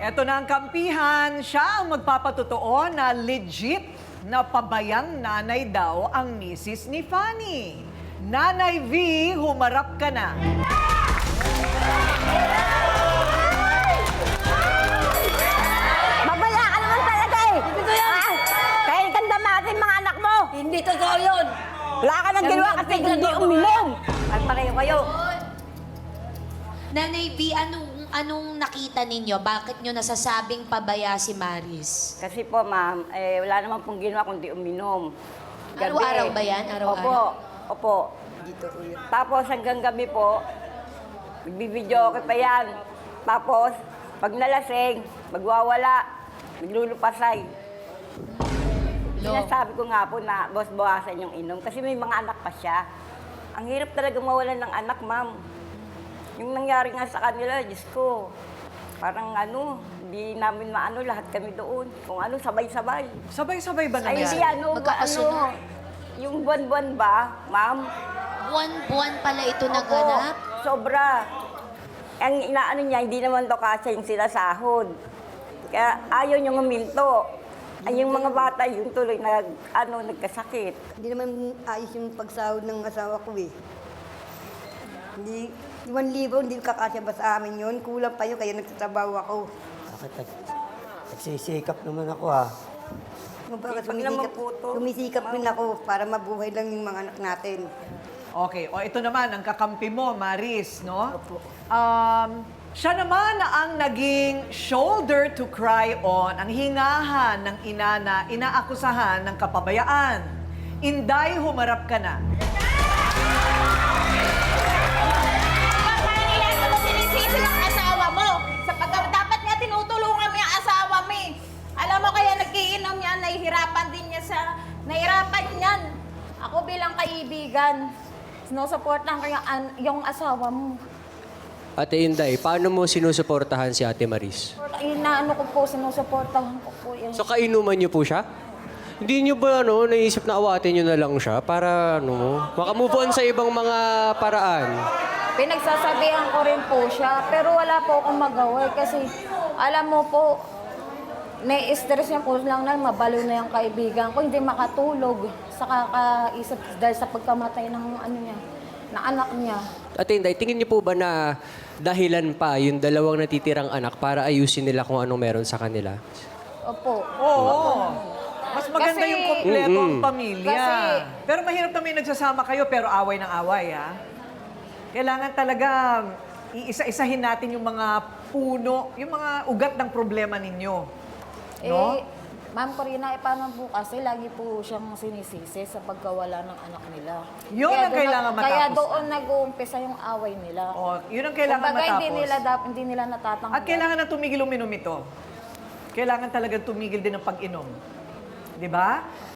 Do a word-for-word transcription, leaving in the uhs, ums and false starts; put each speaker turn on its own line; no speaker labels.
Eto na ang kampihan. Siya ang magpapatotoo na legit na pabayang nanay daw ang misis ni Fanny. Nanay V, humarap ka na.
Babala ka naman talaga eh! Hindi ko yan! Ah, kaya ikang damatin mga anak mo!
Hindi totoo yun.
Wala ka nang ginawa kasi hindi uminom! At pareho kayo!
Nanay B, anong, anong nakita ninyo? Bakit nyo nasasabing pabaya si Maris?
Kasi po ma'am, eh, wala naman pong ginawa kundi uminom.
Araw-araw ba yan? Araw-araw?
Opo, opo. Tapos hanggang gabi po, magbibideo okay pa yan. Tapos, pag nalasing, magwawala, maglulupasay.
Lo.
Sinasabi ko nga po na boss, bawasan yung inom kasi may mga anak pa siya. Ang hirap talaga mawalan ng anak, ma'am. Yung nangyari nga sa kanila, Diyos ko, parang ano, hindi namin maano lahat kami doon. Kung ano, sabay-sabay.
Sabay-sabay ba
Ay,
nangyari?
hindi ano, ano,
Magkakasunod.
yung buwan-buwan ba, ma'am?
Buwan-buwan pala ito
Opo,
naganap?
sobra. Ang inaano niya, hindi naman to kasi yung sinasahod. Kaya ayaw niyong uminto. Ay, yung mga bata, yung tuloy nag, ano, nagkasakit.
Hindi naman ayos yung pagsahod ng asawa ko eh. Hindi, one libo, hindi kakasya ba sa amin yun? Kulang pa yun, kaya nagtatrabaho ako.
Bakit nag, nagsisikap naman ako ah.
Kumbaga,
Pag naman
sumisikap,
po to,
sumisikap rin ako para mabuhay lang yung mga anak natin.
Okay, o ito naman, ang kakampi mo, Maris, no?
Opo.
Um, siya naman ang naging shoulder to cry on, ang hingahan ng ina na inaakusahan ng kapabayaan. Inday, humarap ka na.
Kaya nila mo sinisisi ang asawa mo. Sapagkat dapat nga tinutulungan mo yung asawa mo eh. Alam mo kaya nagkiinom yan, nahihirapan din niya sa... Nahihirapan yan. Ako bilang kaibigan, sinusuportahan ko yung, an- yung asawa mo.
Ate Inday, paano mo sinusuportahan si Ate Maris?
Inaano ko po, sinusuportahan ko po yung...
So kainuman niyo po siya? Hindi niyo ba ano, naisip na awatin niyo na lang siya para ano, makamove on sa ibang mga paraan?
Pinagsasabihan ko rin po siya, pero wala po akong magawa eh, kasi alam mo po, nai-stress niya po lang na mabalo na yung kaibigan ko, hindi makatulog sa kakaisip dahil sa pagkamatay ng ano niya, na anak niya.
Ate Inday, tingin niyo po ba na dahilan pa yung dalawang natitirang anak para ayusin nila kung anong meron sa kanila?
Opo.
Oo. Mas maganda
Kasi-
yung kompleto ang
Mm-mm.
pamilya.
Kasi-
Pero mahirap na may nagsasama kayo, pero away ng away, ha? Kailangan talaga iisa-isahin natin yung mga puno, yung mga ugat ng problema ninyo. No?
Eh, Ma'am Corina, eh, paano po kasi lagi po siyang sinisisi sa pagkawala ng anak nila.
Yun ang
doon
kailangan
na- Kaya
matapos.
doon nag-uumpisa yung away nila.
O, yun ang kailangan
Kumbaga,
matapos.
hindi nila, dap- hindi nila natatanggal.
At kailangan na tumigil uminom ito. Kailangan talaga tumigil din ang pag-inom. Di ba?